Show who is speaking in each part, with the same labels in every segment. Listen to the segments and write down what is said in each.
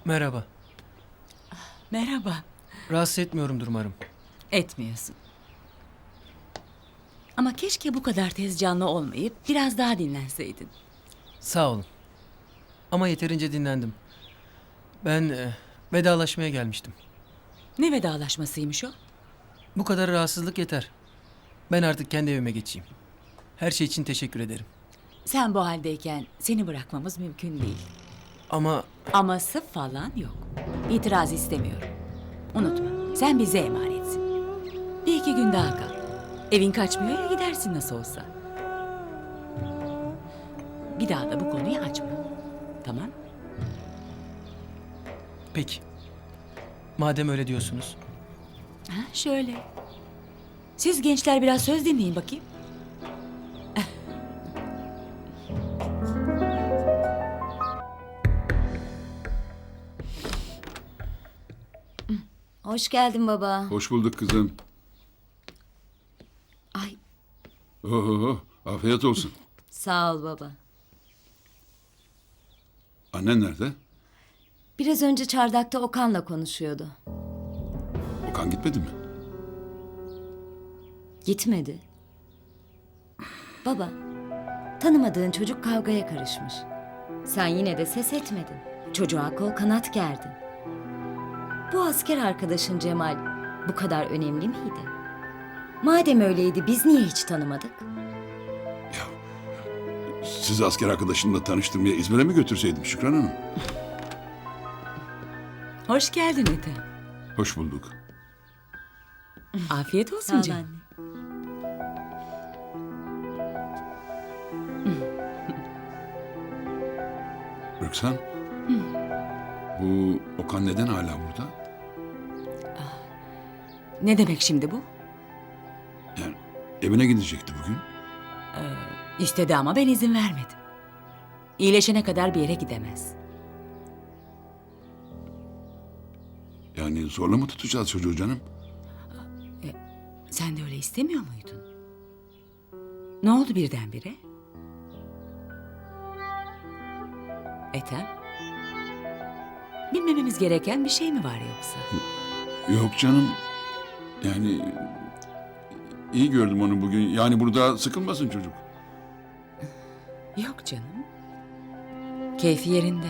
Speaker 1: Merhaba.
Speaker 2: Merhaba.
Speaker 1: Rahatsız etmiyorumdur umarım.
Speaker 2: Etmiyorsun. Ama keşke bu kadar tez canlı olmayıp biraz daha dinlenseydin.
Speaker 1: Sağ olun. Ama yeterince dinlendim. Ben vedalaşmaya gelmiştim.
Speaker 2: Ne vedalaşmasıymış o?
Speaker 1: Bu kadar rahatsızlık yeter. Ben artık kendi evime geçeyim. Her şey için teşekkür ederim.
Speaker 2: Sen bu haldeyken seni bırakmamız mümkün değil.
Speaker 1: Ama
Speaker 2: Aması falan yok. İtiraz istemiyorum. Unutma, sen bize emanetsin. Bir iki gün daha kal. Evin kaçmıyor ya, gidersin nasıl olsa. Bir daha da bu konuyu açma. Tamam?
Speaker 1: peki. Madem öyle diyorsunuz.
Speaker 2: Ha, şöyle. Siz gençler biraz söz dinleyin bakayım.
Speaker 3: Hoş geldin baba.
Speaker 4: Hoş bulduk kızım.
Speaker 3: Ay
Speaker 4: Oho, afiyet olsun.
Speaker 3: sağ ol baba.
Speaker 4: Annen nerede?
Speaker 3: Biraz önce çardakta Okan'la konuşuyordu.
Speaker 4: Okan gitmedi mi?
Speaker 3: Gitmedi. Baba, tanımadığın çocuk kavgaya karışmış. Sen yine de ses etmedin. Çocuğa kol kanat gerdin. Bu asker arkadaşın Cemal bu kadar önemli miydi? Madem öyleydi biz niye hiç tanımadık?
Speaker 4: Sizi asker arkadaşınla tanıştırmaya İzmir'e mi götürseydim Şükran Hanım?
Speaker 2: Hoş geldin Ethem.
Speaker 4: Hoş bulduk.
Speaker 2: Afiyet olsun canım.
Speaker 4: Rüksan. Bu Okan neden hala burada?
Speaker 2: Ne demek şimdi bu?
Speaker 4: Yani evine gidecekti bugün.
Speaker 2: İstedi ama ben izin vermedim. İyileşene kadar bir yere gidemez.
Speaker 4: Yani zorla mı tutacağız çocuğu canım?
Speaker 2: Sen de öyle istemiyor muydun? Ne oldu birdenbire? Ethem? Bilmememiz gereken bir şey mi var yoksa?
Speaker 4: Yok canım. Yani iyi gördüm onu bugün. Yani burada sıkılmasın çocuk.
Speaker 2: Yok canım. Keyfi yerinde.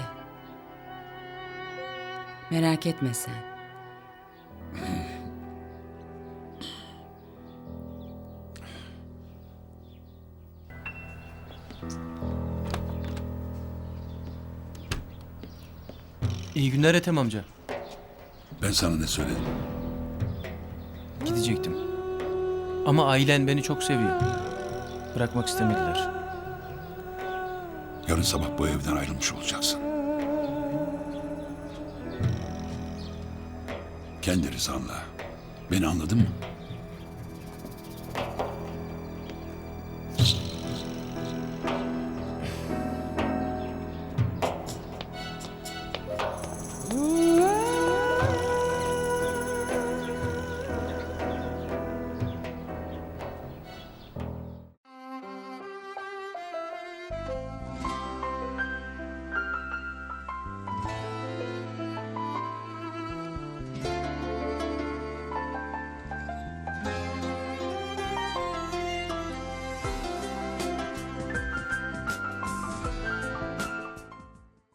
Speaker 2: Merak etme sen.
Speaker 1: İyi günler Ethem amca.
Speaker 4: Ben sana ne söyledim?
Speaker 1: Gidecektim. Ama ailen beni çok seviyor. Bırakmak istemediler.
Speaker 4: Yarın sabah bu evden ayrılmış olacaksın. Kendi rızanla. Beni anladın mı?